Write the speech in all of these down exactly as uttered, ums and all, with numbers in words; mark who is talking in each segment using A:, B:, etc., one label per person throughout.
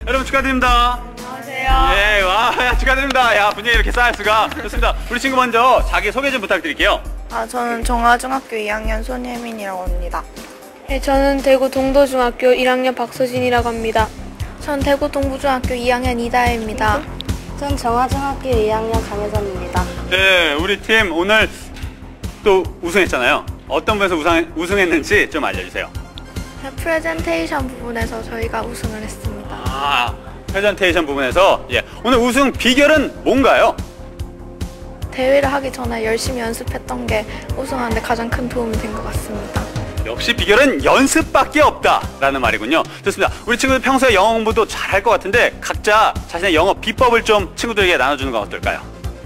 A: 여러분 축하드립니다.
B: 안녕하세요.
A: 예, 와, 야, 축하드립니다. 야, 분위기 이렇게 쌓일 수가. 좋습니다. 우리 친구 먼저 자기 소개 좀 부탁드릴게요.
B: 아, 저는 정화중학교 이 학년 손예민이라고 합니다.
C: 네, 저는 대구 동도중학교 일 학년 박서진이라고 합니다.
B: 전 대구 동부중학교 이 학년 이다혜입니다.
D: 전 정화중학교 이 학년 강혜선입니다.
A: 네, 우리 팀 오늘 또 우승했잖아요. 어떤 부분에서 우승, 우승했는지 좀 알려주세요.
B: 프레젠테이션 부분에서 저희가 우승을 했습니다.
A: 아, 프레젠테이션 부분에서 예, 오늘 우승 비결은 뭔가요?
B: 대회를 하기 전에 열심히 연습했던 게 우승하는데 가장 큰 도움이 된 것 같습니다.
A: 역시 비결은 연습밖에 없다라는 말이군요. 좋습니다. 우리 친구들 평소에 영어 공부도 잘할 것 같은데 각자 자신의 영어 비법을 좀 친구들에게 나눠주는 건 어떨까요?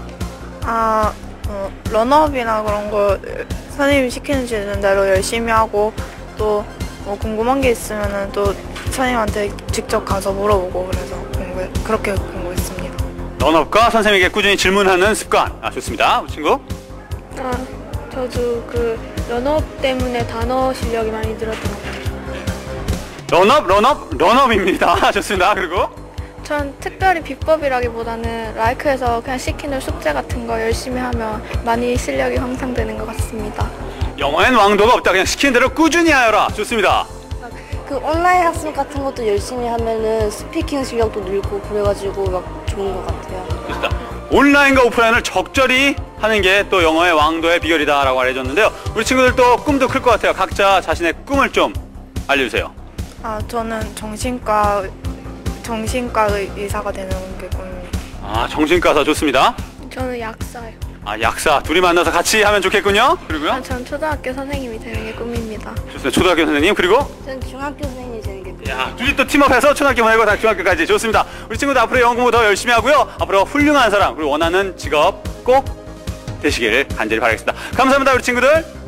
B: 아, 어, 런업이나 그런 거 선생님이 시키는 대로 열심히 하고 또 뭐 궁금한 게 있으면은 또 선생님한테 직접 가서 물어보고 그래서 공부 그렇게 공부했습니다.
A: 런업과 선생님에게 꾸준히 질문하는 습관. 아, 좋습니다. 우리 친구.
C: 아, 저도 그 런업 때문에 단어 실력이 많이 늘었던 것 같아요.
A: 런업, 런업, 런업입니다. 좋습니다. 그리고
B: 전 특별히 비법이라기보다는 라이크에서 그냥 시키는 숙제 같은 거 열심히 하면 많이 실력이 향상되는 것 같습니다.
A: 영어엔 왕도가 없다. 그냥 시키는 대로 꾸준히 하여라. 좋습니다.
D: 그 온라인 학습 같은 것도 열심히 하면은 스피킹 실력도 늘고 그래가지고 막 좋은 것 같아요.
A: 좋습니다. 온라인과 오프라인을 적절히 하는 게 또 영어의 왕도의 비결이다라고 알려줬는데요. 우리 친구들도 꿈도 클 것 같아요. 각자 자신의 꿈을 좀 알려주세요.
B: 아, 저는 정신과 정신과 의사가 되는 게 꿈입니다.
A: 아, 정신과사 좋습니다.
C: 저는 약사요.
A: 아, 약사 둘이 만나서 같이 하면 좋겠군요. 그리고요.
B: 아, 전 초등학교 선생님이 되는 게 꿈입니다.
A: 좋습니다. 초등학교 선생님. 그리고
D: 전 중학교 선생님이 되는 게 꿈이에요.
A: 야, 둘이 또 팀업해서 초등학교 보내고 다 중학교까지. 좋습니다. 우리 친구들 앞으로 영어 공부 더 열심히 하고요. 앞으로 훌륭한 사람 그리고 원하는 직업 꼭 되시길 간절히 바라겠습니다. 감사합니다, 우리 친구들.